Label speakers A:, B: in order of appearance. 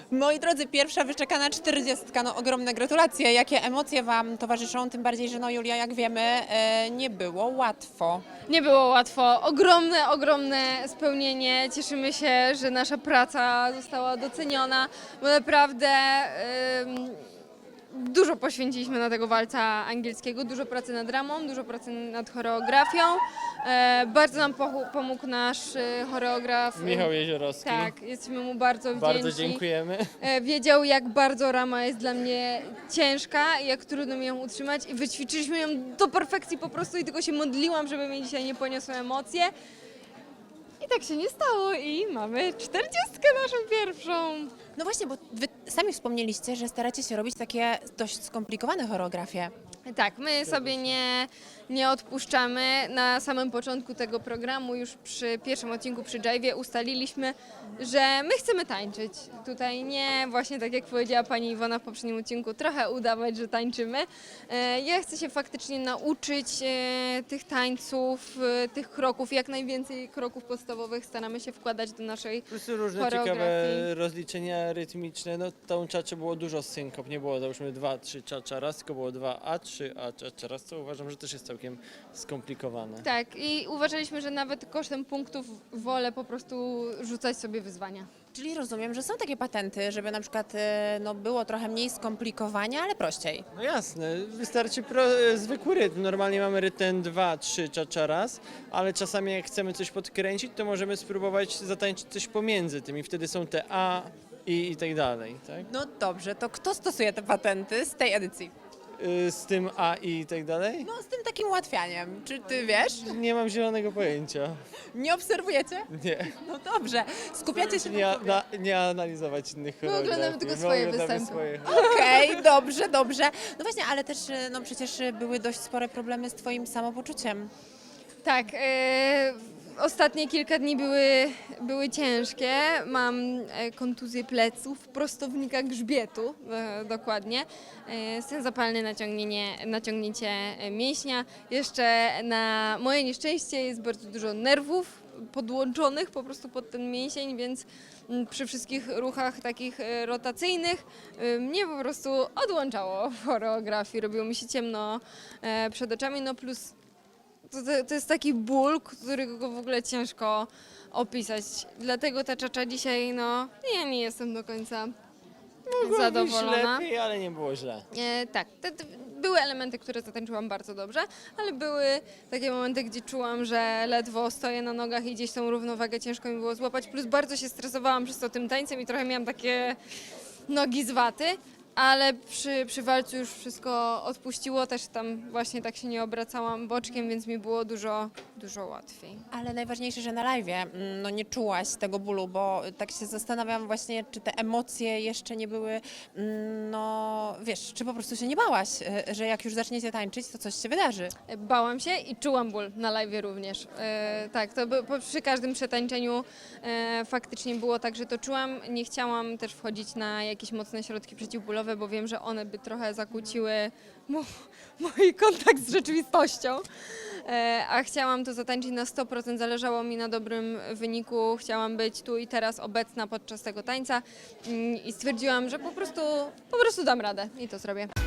A: Moi drodzy, pierwsza wyczekana 40. No ogromne gratulacje. Jakie emocje Wam towarzyszą? Tym bardziej, że no Julia, jak wiemy, nie było łatwo.
B: Nie było łatwo. Ogromne spełnienie. Cieszymy się, że nasza praca została doceniona, bo naprawdę dużo poświęciliśmy na tego walca angielskiego, dużo pracy nad dramą, dużo pracy nad choreografią. Bardzo nam pomógł nasz choreograf.
C: Michał Jeziorowski.
B: Tak, jesteśmy mu bardzo wdzięczni.
C: Bardzo dziękujemy.
B: Wiedział, jak bardzo rama jest dla mnie ciężka i jak trudno mi ją utrzymać i wyćwiczyliśmy ją do perfekcji po prostu i tylko się modliłam, żeby mnie dzisiaj nie poniosły emocje. I tak się nie stało i mamy 40 naszą pierwszą.
A: No właśnie, bo Wy sami wspomnieliście, że staracie się robić takie dość skomplikowane choreografie.
B: Tak, my sobie nie odpuszczamy. Na samym początku tego programu, już przy pierwszym odcinku przy Jive'ie ustaliliśmy, że my chcemy tańczyć. Tutaj nie, właśnie tak jak powiedziała pani Iwona w poprzednim odcinku, trochę udawać, że tańczymy. Ja chcę się faktycznie nauczyć tych tańców, tych kroków, jak najwięcej kroków podstawowych staramy się wkładać do naszej
C: Plus różne
B: choreografii.
C: ciekawe rozliczenia rytmiczne. No tą czacze było dużo synkop, nie było załóżmy 2-3 czacza raz, tylko było 2A3 czacza raz, co uważam, że też jest całkiem skomplikowane.
B: Tak, i uważaliśmy, że nawet kosztem punktów wolę po prostu rzucać sobie wyzwania.
A: Czyli rozumiem, że są takie patenty, żeby na przykład no, było trochę mniej skomplikowania, ale prościej.
C: No jasne, wystarczy zwykły rytm. Normalnie mamy rytm 2-3 czacza raz, ale czasami jak chcemy coś podkręcić, to możemy spróbować zatańczyć coś pomiędzy tym i wtedy są te A i tak dalej, tak?
A: No dobrze, to kto stosuje te patenty z tej edycji?
C: Z tym A i tak dalej?
A: No z tym takim ułatwianiem. Czy Ty wiesz?
C: Nie mam zielonego pojęcia.
A: Nie obserwujecie?
C: Nie.
A: No dobrze. Skupiacie się na
C: Nie analizować innych choreografii.
B: oglądamy tylko
C: My
B: swoje
C: oglądamy
B: występy.
C: swoje.
A: Okej, dobrze. No właśnie, ale też no przecież były dość spore problemy z Twoim samopoczuciem.
B: Tak, ostatnie kilka dni były ciężkie. Mam kontuzję pleców, prostownika grzbietu dokładnie. Stan zapalny, naciągnięcie mięśnia. Jeszcze na moje nieszczęście jest bardzo dużo nerwów podłączonych po prostu pod ten mięsień, więc przy wszystkich ruchach takich rotacyjnych mnie po prostu odłączało w choreografii. Robiło mi się ciemno przed oczami, no plus to jest taki ból, którego w ogóle ciężko opisać. Dlatego ta czacza dzisiaj, no, ja nie jestem do końca zadowolona.
C: Lepiej, ale nie było źle.
B: Tak, były elementy, które zatańczyłam bardzo dobrze, ale były takie momenty, gdzie czułam, że ledwo stoję na nogach i gdzieś tą równowagę ciężko mi było złapać. Plus bardzo się stresowałam przez to tym tańcem i trochę miałam takie nogi z waty. Ale przy walcu już wszystko odpuściło, też tam właśnie tak się nie obracałam boczkiem, więc mi było dużo łatwiej.
A: Ale najważniejsze, że na live'ie no nie czułaś tego bólu, bo tak się zastanawiam właśnie, czy te emocje jeszcze nie były, no wiesz, czy po prostu się nie bałaś, że jak już zaczniecie tańczyć, to coś się wydarzy.
B: Bałam się i czułam ból na live'ie również. Tak, przy każdym przetańczeniu faktycznie było tak, że to czułam. Nie chciałam też wchodzić na jakieś mocne środki przeciwbólowe, bo wiem, że one by trochę zakłóciły mój kontakt z rzeczywistością. A chciałam to zatańczyć na 100%, zależało mi na dobrym wyniku, chciałam być tu i teraz obecna podczas tego tańca i stwierdziłam, że po prostu dam radę i to zrobię.